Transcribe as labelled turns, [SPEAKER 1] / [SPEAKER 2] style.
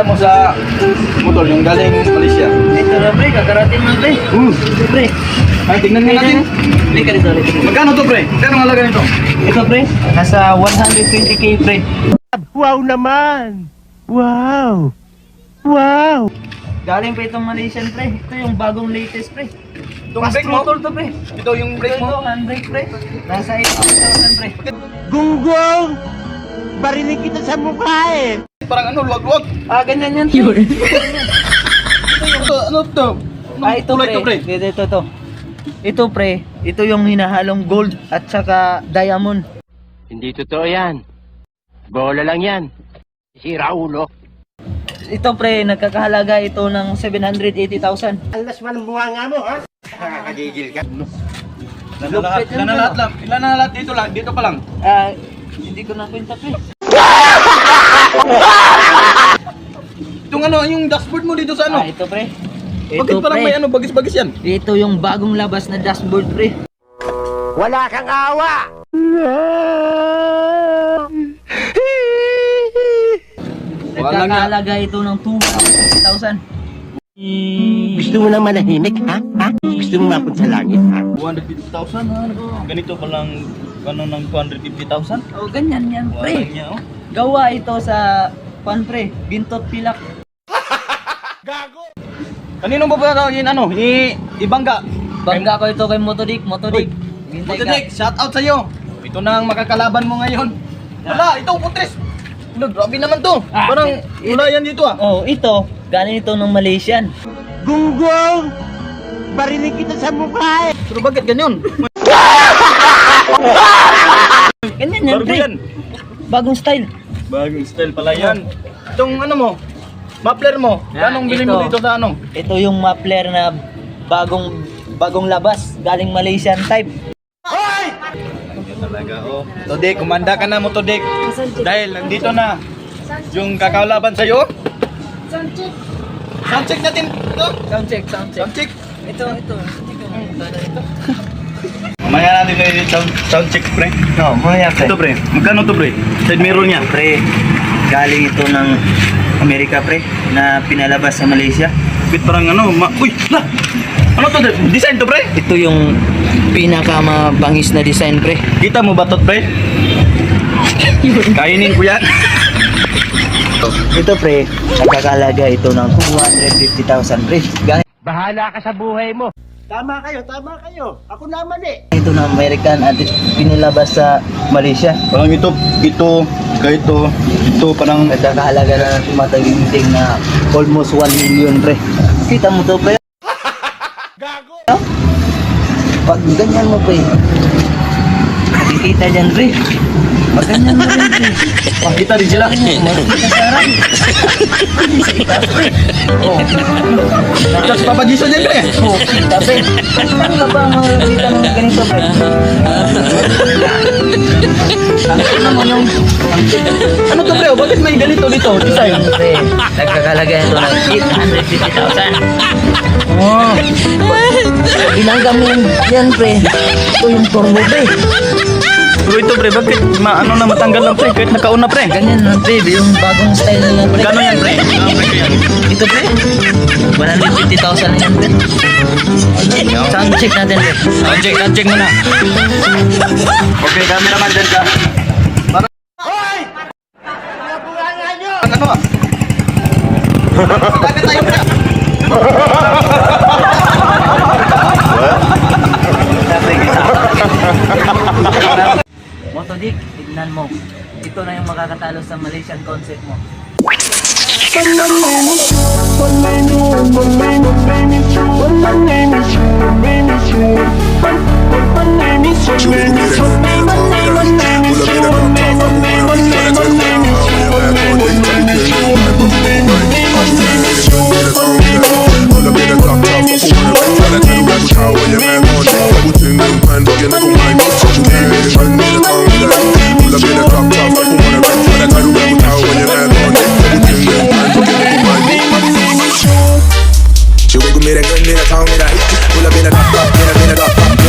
[SPEAKER 1] lisensya mo sa motor, yung galing Malaysia?
[SPEAKER 2] Ito na pre, kakarating na pre. Ito pre.
[SPEAKER 1] Ay, tignan nga natin.
[SPEAKER 2] Lika dito, lika dito.
[SPEAKER 1] Magkano to, pre? Magkano ang halaga nito?
[SPEAKER 2] Ito pre, nasa 120k pre.
[SPEAKER 3] Wow naman! Wow! Wow!
[SPEAKER 2] Galing pa itong Malaysian pre. Ito yung bagong latest pre.
[SPEAKER 1] Itong
[SPEAKER 2] Fast
[SPEAKER 1] brake mo?
[SPEAKER 2] throttle to pre.
[SPEAKER 1] Ito yung brake
[SPEAKER 2] Ito,
[SPEAKER 1] mo?
[SPEAKER 2] handbrake pre. Nasa 8,000 pre.
[SPEAKER 3] Gunggong! Barinig kita sa mukha eh!
[SPEAKER 1] Parang ano, luwag-luwag.
[SPEAKER 2] Ah, ganyan yan pre.
[SPEAKER 1] Ito, ano to?
[SPEAKER 2] Ah, ito
[SPEAKER 1] Kulay to,
[SPEAKER 2] pre. Ito. Ito pre, ito yung hinahalong gold at saka diamond.
[SPEAKER 3] Hindi totoo yan. Bola lang yan. Sira ulo.
[SPEAKER 2] Ito pre, nagkakahalaga ito ng 780,000.
[SPEAKER 3] Alas man ang bunga nga mo, ha? Nakakagigil ka.
[SPEAKER 1] Ilan na lahat lang? Ilan na lahat dito lang? Dito pa lang?
[SPEAKER 2] Ah, hindi ko na kwenta pre.
[SPEAKER 1] Itong ano, yung dashboard mo dito sa
[SPEAKER 2] Ah,
[SPEAKER 1] ano?
[SPEAKER 2] ito pre.
[SPEAKER 1] Bakit parang may ano, bagis-bagis yan?
[SPEAKER 2] Ito yung bagong labas na dashboard pre.
[SPEAKER 3] Wala kang awa!
[SPEAKER 2] Nagkakahalaga ito ng 250,000.
[SPEAKER 3] Gusto mo na manahimik, ha? Gusto mo mapunta sa langit, ha?
[SPEAKER 1] 250,000 ha? Ganito palang ano ng 250,000?
[SPEAKER 2] Oh, ganyan yan
[SPEAKER 1] Wala
[SPEAKER 2] pre.
[SPEAKER 1] niya oh.
[SPEAKER 2] Gawa ito sa pan pre, bintot pilak.
[SPEAKER 1] Kanino ba ba yun ano? Ibangga.
[SPEAKER 2] Bangga ko ito kay Motodik. Hintay ka.
[SPEAKER 1] Motodik, shout out sa'yo. Ito na ang makakalaban mo ngayon. Wala, ito putres. Ano, grabe naman to. Parang wala yan dito ah.
[SPEAKER 2] Oh, ito, galing ito ng Malaysian.
[SPEAKER 3] Gunggong! Barinig kita sa mukha eh!
[SPEAKER 1] Pero bakit ganyan?
[SPEAKER 2] Ganyan yan
[SPEAKER 1] Bago
[SPEAKER 2] pre.
[SPEAKER 1] yan.
[SPEAKER 2] Bagong style.
[SPEAKER 1] Bagong style pala yan. Itong ano mo, muffler mo, anong bilhin mo
[SPEAKER 2] ito.
[SPEAKER 1] dito sa ano?
[SPEAKER 2] Ito yung muffler na bagong labas, galing Malaysian type.
[SPEAKER 1] Talaga oh. Todik, kumanda ka na mo Todik. Dahil nandito na yung kakalaban sa'yo. Sound check natin ito.
[SPEAKER 2] Sound check.
[SPEAKER 1] Sound check.
[SPEAKER 2] Ito.
[SPEAKER 1] Mamaya natin kayo sound check pre.
[SPEAKER 2] No, maya pre.
[SPEAKER 1] Ito pre, magkano to pre? Side mirror niya.
[SPEAKER 2] Pre, galing ito ng Amerika pre, na pinalabas sa Malaysia.
[SPEAKER 1] Bit parang ano, uy! Lah! Ano to? Design to pre?
[SPEAKER 2] Ito yung pinakamabangis na design pre.
[SPEAKER 1] Kita mo ba to pre? Kainin ko yan.
[SPEAKER 2] Ito pre, nagkakalaga ito ng 250,000 pre. Galing
[SPEAKER 3] Bahala ka sa buhay mo! Tama kayo! Ako naman eh!
[SPEAKER 2] ito ng American at pinilabas sa Malaysia.
[SPEAKER 1] Parang ito, parang
[SPEAKER 2] Nagkakahalaga na ng tumataginting na almost 1 million pre. Kita mo to pre?
[SPEAKER 3] Gago!
[SPEAKER 2] Pag ganyan mo pre, makikita dyan pre. Pag ganyan mo rin pre.
[SPEAKER 1] makita din sila.
[SPEAKER 2] Makikita sa harap. Sa itaas pre. Oh,
[SPEAKER 1] Tapos papadisa din pre.
[SPEAKER 2] oh, kita pre. Saan ka ba makikita ng ganito pre? Ang naman yung
[SPEAKER 1] Ano to pre? Bakit may ganito dito? Design.
[SPEAKER 2] pre, nagkakalaga ito ng 850,000. Oh, binangga mo yan pre. Ito yung turbo pre.
[SPEAKER 1] Pero ito pre, bakit ano na matanggal lang pre? Kahit nakauna pre.
[SPEAKER 2] Ganyan na pre, yung bagong style nila pre.
[SPEAKER 1] Gano'n yan pre?
[SPEAKER 2] Ito pre, 150,000 na yan pre. Sound check natin pre.
[SPEAKER 1] Sound check muna. Okay, cameraman dyan ka.
[SPEAKER 3] Hoy! Nabunga nyo!
[SPEAKER 1] Ang ano ah? Bakit tayo pre?
[SPEAKER 2] Motodik, tignan mo. Ito na yung makakatalo sa Malaysian concept mo.
[SPEAKER 4] She wiggle me that gun, me that tongue, me that. Pull up in a drop top, in a drop top.